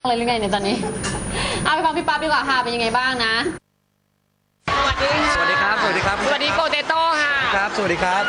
เลยหรือไงเนี่ยตอนนี้เอาไปฟังพี่ปั๊บดีกว่าค่ะเป็นยังไงบ้างนะสวัสดีค่ะสวัสดีครับ สวัสดีครับสวัสดีโปเตโต้ค่ะครับ สวัสดีครับ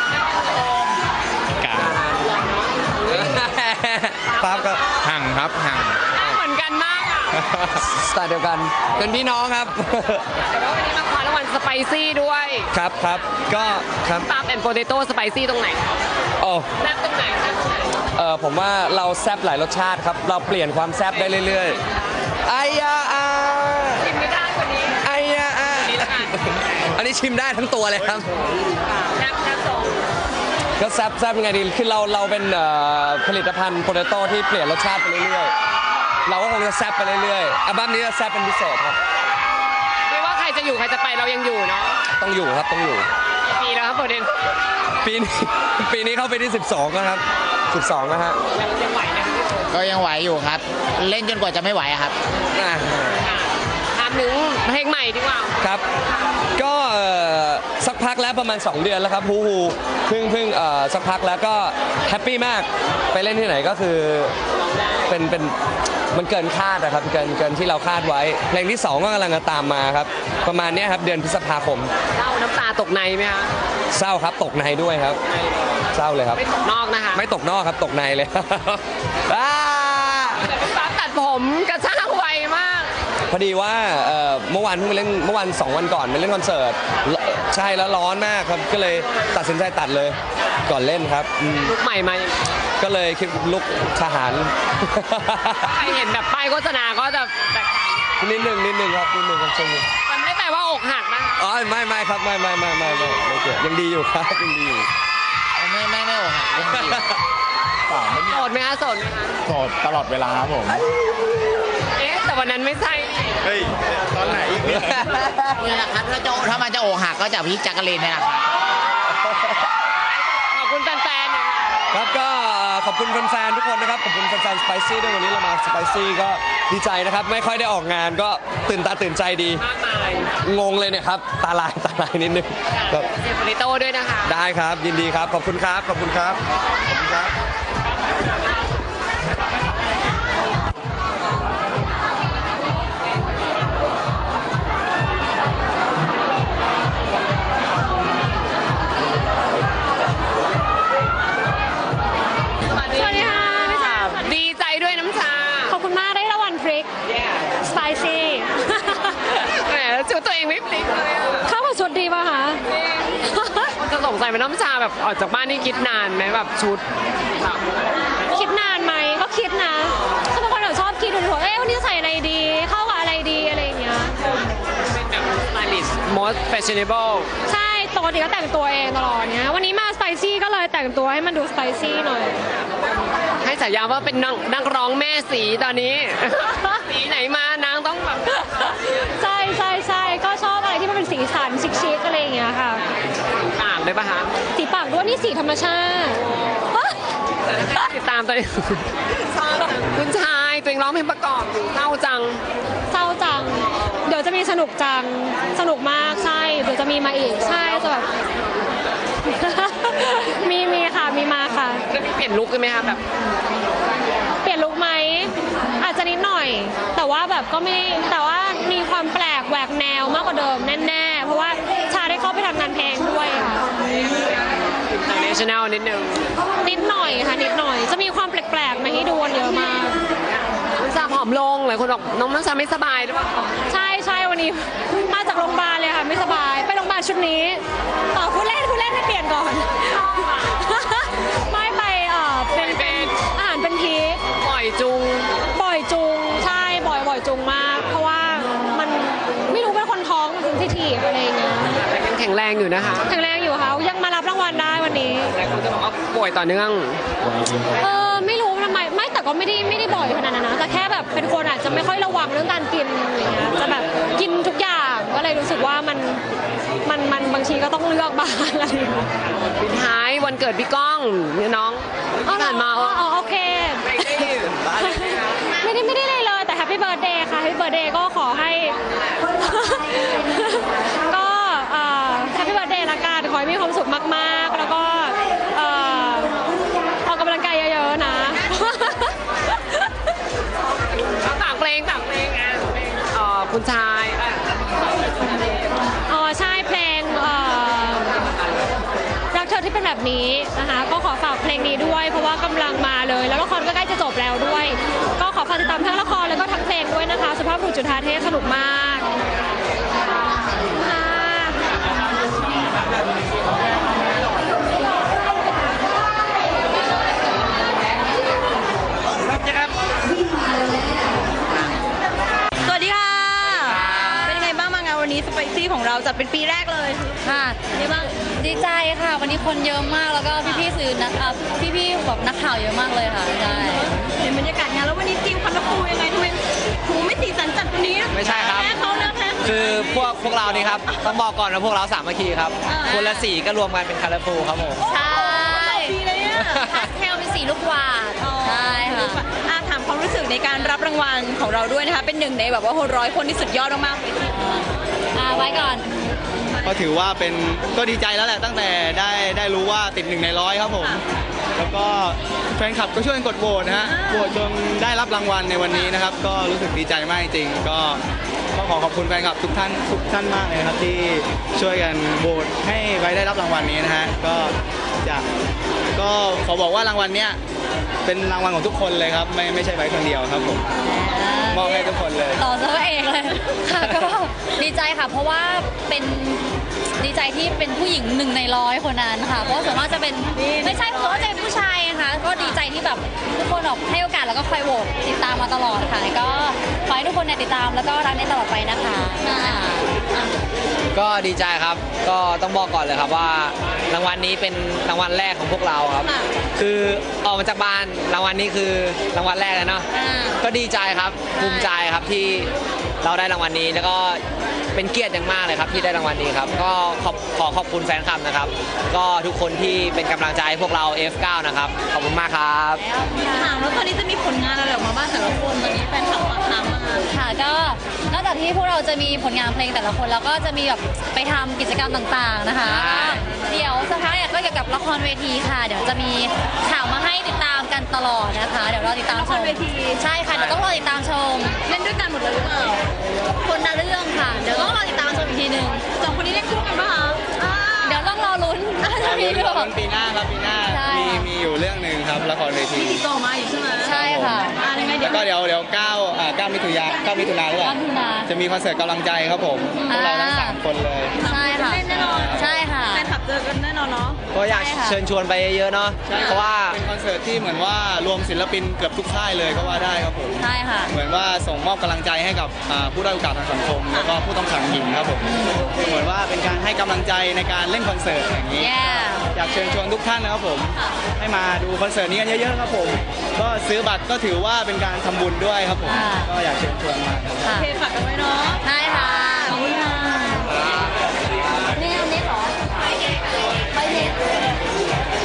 ปั๊บก็ห่างครับห่างเหมือนกันมากอ่ะสไตล์เดียวกันเป็นพี่น้องครับแต่ว่าวันนี้มาคว้ารางวัลสไปซี่ด้วยครับครับก็ครับปั๊บแอนโปเตโต้สไปซี่ตรงไหนโอ้แซ่บตรงไหนแซ่บตรงไหนผมว่าเราแซบหลายรสชาติครับ เราเปลี่ยนความแซบได้เรื่อยๆไอยาอากินไม่ได้กว่านี้ไอยาอานี่ละกันอันนี้ชิมได้ทั้งตัวเลยครับแซ่บแซ่บสองก็แซบยังไงดีคือเราเป็นผลิตภัณฑ์โปเตโต้ที่เปลี่ยนรสชาติไปเรื่อยๆเราก็คงจะแซบไปเรื่อยๆอัลบั้มนี้จะแซบเป็นพิเศษครับไม่ว่าใครจะอยู่ใครจะไปเรายังอยู่เนาะต้องอยู่ครับต้องอยู่กี่ปีแล้วครับโปเตโต้ปีนี้เข้าไปที่ 12แล้วครับ 12นะฮะยังไหวไหมครับก็ยังไหวอยู่ครับ เล่นจนกว่าจะไม่ไหวอะครับอ่ะถามถึงเพลงใหม่ดีกว่าครับ ก็สักพักแล้วประมาณ 2 เดือนแล้วครับฮูเพิ่งสักพักแล้วก็แฮปปี้มากไปเล่นที่ไหนก็คือเป็นมันเกินคาดนะครับเกินที่เราคาดไว้ เพลงที่ 2 ก็กำลังจะตามมาครับ ประมาณเนี้ยครับเดือนพฤษภาคมเล่าน้ำตาตกในไหมคะเศร้าครับตกในด้วยครับ เศร้าเลยครับไม่ตกนอกนะคะไม่ตกนอกครับตกในเลย อ่าแต่พี่ปั๊บตัดผมกระชากไวมากพอดีว่าเมื่อวานเพิ่งไปเล่นเมื่อวัน2 วันก่อนไปเล่นคอนเสิร์ตใช่แล้วร้อนมากครับก็เลยตัดสินใจตัดเลยก่อนเล่นครับลุกใหม่มายังก็เลยคิดลุกทหารใครเห็นแบบป้ายโฆษณาก็จะแตกต่างนิดหนึ่งครับช่วงนี้มันไม่ได้แปลว่าอกหักนะคะอ๋อไม่ครับไม่เกี่ยวยังดีอยู่ครับยังดีอยู่ไม่โอ้หักเล่นดีเปล่าไม่มีโสดไหมคะโสดไหมคะโสดตลอดเวลาครับผมเอ๊ะแต่วันนั้นไม่ใช่นี่เฮ้ย ตอนไหนอีกเนี่ยนี่แหละครับถ้ามันจะโอหักก็จากพี่จักรีนนี่แหละครับขอบคุณแฟนๆหน่อยค่ะครับก็ขอบคุณแฟนๆทุกคนนะครับขอบคุณแฟนๆสไปซี่ด้วยวันนี้เรามาสไปซี่ก็ดีใจนะครับไม่ค่อยได้ออกงานก็ตื่นตาตื่นใจดีมากมายงงเลยเนี่ยครับตาลายนิดนึงครับเซฟริโต้ด้วยนะคะได้ครับยินดีครับขอบคุณครับขอบคุณครับขอบคุณครับสวัสดีค่ะดีใจด้วยน้ำชาขอบคุณมากได้รางวัลพริกสไปซี่แหมชุดตัวเองไม่พลิกเลยอะเข้ากับชุดดีป่ะคะคนจะสงสัยว่าน้ำชาแบบออกจากบ้านนี่คิดนานไหมแบบชุดแบบคิดนานไหมก็คิดนะคือบางคนชอบคิดดูว่าเอ๊ะวันนี้จะใส่อะไรดี เข้ากับอะไรดีอะไรอย่างเงี้ยเป็นแบบ stylist most fashionable ใช่ปกติก็แต่งตัวเองตลอดเนี้ยวันนี้มาสไปซี่ก็เลยแต่งตัวให้มันดูสไปซี่หน่อยให้ฉายาว่าเป็นนักร้องแม่สีตอนนี้ สีไหนมานางต้องแบบใช่ก็ชอบอะไรที่มันเป็นสีสันชิคๆอะไรอย่างเงี้ยค่ะต่างด้วยปะคะสีปากด้วยนี่สีธรรมชาติฮะติดตามตัวเองคุณชายตัวเองร้องเพลงประกอบอยู่เศร้าจังเศร้าจัง เดี๋ยวจะมีสนุกจัง สนุกมากใช่ เดี๋ยวจะมีมาอีก ใช่จะแบบ มีค่ะ มีมาค่ะแล้วมีเปลี่ยนลุคกันไหมคะแบบเปลี่ยนลุคไหม อาจจะนิดหน่อย แต่ว่าแบบก็ไม่ แต่ว่ามีความแปลกแหวกแนวมากกว่าเดิมแน่ๆ เพราะว่าชาได้เข้าไปทำงานเพลงด้วยค่ะ international นิดนึงนิดหน่อยค่ะ นิดหน่อย จะมีความแปลกๆมาให้ดูกันเยอะมากน้ำชาผอมลงหลายคนบอกน้องน้ำชาไม่สบายหรือเปล่าใช่วันนี้มาจากโรงพยาบาลเลยค่ะ ไม่สบาย ไปโรงพยาบาลชุดนี้พูดเล่นให้เปลี่ยนก่อน ไม่ไปเป็นอาหารเป็นพีคปล่อยจุงบ่อยจุงใช่บ่อยจุงมาก เพราะว่ามันไม่รู้เป็นคนท้องมันเซนซิทีฟอะไรอย่างเงี้ยแต่ยังแข็งแรงอยู่นะคะแข็งแรงอยู่ค่ะยังมารับรางวัลได้วันนี้หลายคนจะบอกว่าป่วยต่อเนื่องไม่รู้ทำไมไม่แต่ก็ไม่ได้บ่อยขนาดนั้นนะแต่แค่แบบเป็นคนอาจจะไม่ค่อยระวังเรื่องการกินอะไรเงี้ยจะแบบกินทุกอย่างก็เลยรู้สึกว่ามันบางทีก็ต้องเลือกบ้างอะไรอย่างเงี้ยปิดท้ายวันเกิดพี่ก้องเนี่ยน้องที่ผ่านมาโอเคไม่ได้บ้านเลยนะคะไม่ได้เลยแต่แฮปปี้เบิร์ดเดย์ค่ะแฮปปี้เบิร์ดเดย์ก็ขอให้ ก็แฮปปี้เบิร์ดเดย์ละกันขอให้มีความสุขมากๆ แล้วก็ออกกำลังกายเยอะๆนะเอาคุณชายอ๋อใช่เพลงรักเธอที่เป็นแบบนี้นะคะก็ขอฝากเพลงนี้ด้วยเพราะว่ากำลังมาเลยแล้วละครก็ใกล้จะจบแล้วด้วย ก็ขอฝากติดตามทั้งละครแล้วก็ทั้งเพลงด้วยนะคะสุภาพบุรุษจุฑาเทพสนุกมากค่ะสวัสดีค่ะ เป็นยังไงบ้างมางานวันนี้สไปซี่ของเราจัดเป็นปีแรกเลยค่ะเป็นยังไงบ้างดีใจค่ะ วันนี้คนเยอะมากแล้วก็พี่ๆสื่อนักพี่ๆแบบนักข่าวเยอะมากเลยค่ะใช่เห็นบรรยากาศงานแล้ววันนี้ทีมคอนฟูยังไงทำไมหูไม่สีสันจัดวันนี้ไม่ใช่ครับแพ้เขานะแพ้เขาคือพวกเรานี่ครับต้องบอกก่อนว่าพวกเราสามัคคีครับคนละสีก็รวมกันเป็นคาราฟูครับผมใช่ดีเลยอ่ะพาสเทลเป็นสีลูกหวาดใช่ค่ะถามความรู้สึกในการรับรางวัลของเราด้วยนะคะ เป็นหนึ่งในแบบว่า100 คนที่สุดยอดมากๆเลยไว้ก่อนก็ถือว่าเป็นก็ดีใจแล้วแหละตั้งแต่ได้รู้ว่าติด1 ใน 100ครับผม แล้วก็แฟนคลับก็ช่วยกันกดโหวตนะฮะโหวตจนได้รับรางวัลในวันนี้นะครับ ก็รู้สึกดีใจมากจริงๆก็ขอขอบคุณแฟนคลับทุกท่านมากเลยนะครับที่ช่วยกันโหวตให้ไว้ได้รับรางวัลนี้นะฮะก็ขอบอกว่ารางวัลเนี้ยเป็นรางวัลของทุกคนเลยครับไม่ใช่ไว้คนเดียวครับผมมอบให้ทุกคนเลยต่อซะเองเลย ค่ะก็ดีใจค่ะ เพราะว่าเป็นดีใจที่เป็นผู้หญิง1 ใน 100 คนนั้นค่ะ เพราะส่วนมากจะเป็นไม่ใช่ส่วนมากจะเป็นผู้ชายนะคะก็ดีใจที่แบบทุกคนออกให้โอกาสแล้วก็คอยโหวตติดตามมาตลอดค่ะ ก็ขอให้ทุกคนเนี่ยติดตามแล้วก็รักในตลอดไปนะคะก็ดีใจครับก็ต้องบอกก่อนเลยครับว่ารางวัลนี้เป็นรางวัลแรกของพวกเราครับ คือออกมาจากบ้านรางวัลนี้คือรางวัลแรกเลยเนาะก็ดีใจครับภูมิใจครับที่เราได้รางวัลนี้แล้วก็เป็นเกียรติอย่างมากเลยครับที่ได้รางวัลนี้ครับก็ขอขอบคุณแฟนคลับนะครับ ก็ทุกคนที่เป็นกำลังใจให้พวกเรา F9 นะครับขอบคุณมากครับถามแล้วตอนนี้จะมีผลงานอะไรออกมาบ้างแต่ละคนตอนนี้แฟนคลับฝากถามมาค่ะก็นอกจากที่พวกเราจะมีผลงานเพลงแต่ละคนแล้วก็จะมีแบบไปทำกิจกรรมต่างๆนะคะใช่เดี๋ยวสักพักเนี่ยก็เกี่ยวกับละครเวทีค่ะ เดี๋ยวจะมีข่าวมาให้ติดตามกันตลอดนะคะ เดี๋ยวรอติดตามชละครมเวทีใช่ค่ะเดี๋ยวต้องรอติดตามชมเล่นด้วยกันหมดเลยหรือเปล่าคนละเรื่องค่ะ เดี๋ยวต้องรอติดตามชมอีกทีหนึ่งสองคนนี้เล่นคู่กันปะคะเดี๋ยวต้องรอลุ้นจะมีหรือเปล่าปีหน้าครับปีหน้าใช่มีอยู่เรื่องหนึ่งครับละครเวทีมีติดต่อมาอยู่ใช่ไหมใช่ค่ะยังไงเดี๋แล้ยววก็เดี๋ยว9มิถุนาหรือเปล่า 9มิถุนาจะมีคอนเสิร์ตกำลังใจครับผมพวกเราทั้ง3 คนเลยใช่ค่ะเล่นแน่นอนใช่ค่ะแฟนคลับเจอกันแน่นอนเนาะก็อยากใช่ค่ะเชิญชวนไปเยอะๆเนาะเพราะว่าเป็นคอนเสิร์ตที่เหมือนว่ารวมศิลปินเกือบทุกค่ายเลยก็ว่าได้ครับผมใช่ค่ะเหมือนว่าส่งมอบกำลังใจให้กับผู้ด้อยโอกาสทางสังคม แล้วก็ผู้ต้องขังหญิงครับผมเหมือนว่าเป็นการให้กำลังใจในการเล่นคอนเสิร์ตอย่างนี้ Yeah อยากเชิญชวนทุกท่านนะครับผม ให้มาดูคอนเสิร์ตนี้กันเยอะๆครับผม ก็ซื้อบัตรก็ถือว่าเป็นการทำบุญด้วยครับผมค่ะก็อยากเชิญชวนมาครับค่ะเพจฝากกันไว้เนาะใช่ค่ะขอบคุณค่ะนี่อันนี้เหรอไปเด็ด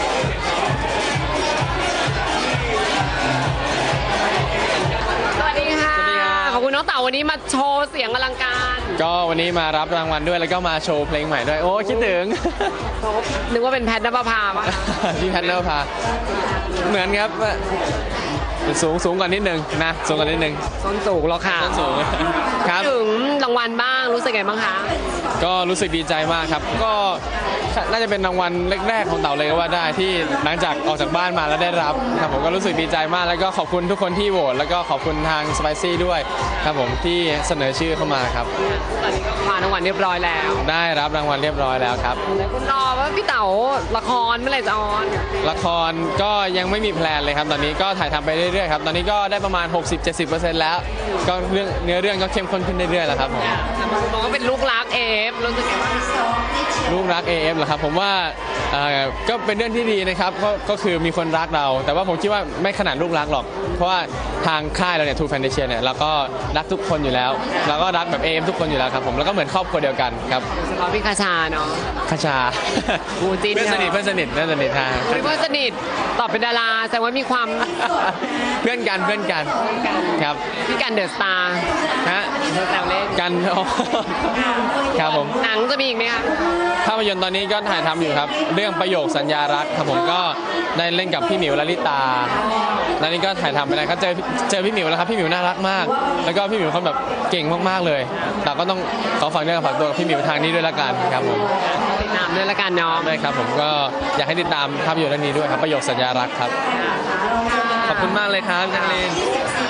สวัสดีค่ะขอบคุณน้องเต๋าวันนี้มาโชว์เสียงอลังการก็วันนี้มารับรางวัลด้วยแล้วก็มาโชว์เพลงใหม่ด้วย โอ้คิดถึงนึกว่าเป็นแพทย์นภพาปะพี่แพทเนอร์พาเหมือนครับสูงกว่านิดนึงนะสูงกว่านิดนึงส้นสูงแล้วค่ะต้นสูงครับถึงรางวัลบ้างรู้สึกไงบ้างคะก็รู้สึกดีใจมากครับ ก็น่าจะเป็นรางวัลแรกๆของเต่าเลยก็ว่าได้ที่หลังจากออกจากบ้านมาแล้วได้รับครับผมก็รู้สึกดีใจมากแล้วก็ขอบคุณทุกคนที่โหวตแล้วก็ขอบคุณทางสไปซี่ด้วยครับผมที่เสนอชื่อเข้ามาครับตอนนี้ก็คว้ารางวัลเรียบร้อยแล้วได้รับรางวัลเรียบร้อยแล้วครับแล้วคุณรอว่าพี่เต๋าละครเมื่อไหร่จะออนละครก็ยังไม่มีแพลนเลยครับ ตอนนี้ก็ถ่ายทำไปเรื่อยๆครับ ตอนนี้ก็ได้ประมาณ 60-70% แล้ว ก็เนื้อเรื่องก็เข้มข้นขึ้นเรื่อยๆแล้วครับผมบอกว่าเป็นลูกรักเอฟรู้สึกไงบ้างลูกรัก AF เหรอครับผมว่าก็เป็นเรื่องที่ดีนะครับก็คือมีคนรักเรา แต่ว่าผมคิดว่าไม่ขนาดลูกรักหรอก เพราะว่าทางค่ายเราเนี่ยทูแฟนเดเชียเนี่ยเราก็รักทุกคนอยู่แล้วเราก็รักแบบ AF ทุกคนอยู่แล้วครับผมแล้วก็เหมือนครอบครัวเดียวกันครับโดยเฉพาะพี่คาชาเนาะคชาคู่จิ้นเพื่อนสนิทค่ะเพื่อนสนิทฮะเพื่อนสนิทตอบเป็นดาราแสดงว่ามีความเพื่อนกันครับพี่กันเดอะสตาร์ฮะแซวเล่นกัน ครับผมหนังจะมีอีกไหมคะภาพยนตร์ตอนนี้ก็ถ่ายทำอยู่ครับ เรื่องประโยคสัญญารักครับผมก็ได้เล่นกับพี่หมิวลลิตาแล้วนี่ก็ถ่ายทำไปแล้วก็เจอพี่หมิวแล้วครับพี่หมิวน่ารักมาก แล้วก็พี่หมิวเขาแบบเก่งมากๆเลยเราก็ต้องขอฝากเนื้อฝากตัวกับพี่หมิวทางนี้ด้วยละกันครับผมติดตามด้วยละกันเนาะได้ครับผมก็อยากให้ติดตามภาพยนตร์เรื่องนี้ด้วยครับประโยคสัญญารักครับขอบคุณมากเลยครับจังเลน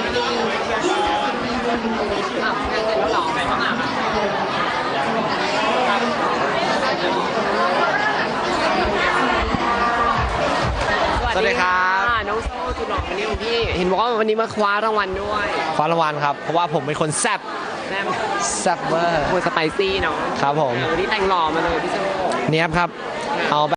สวัสดีครับน้องโซ่สุดหล่อวันนี้ของพี่ เห็นบอกว่าวันนี้มาคว้ารางวัลด้วยคว้ารางวัลครับเพราะว่าผมเป็นคนแซ่บแม่แซ่บเวอร์โคสไปซี่เนาะครับผมวันนี้แต่งหล่อมาเลยพี่โซ่เนี้ยบครับเอา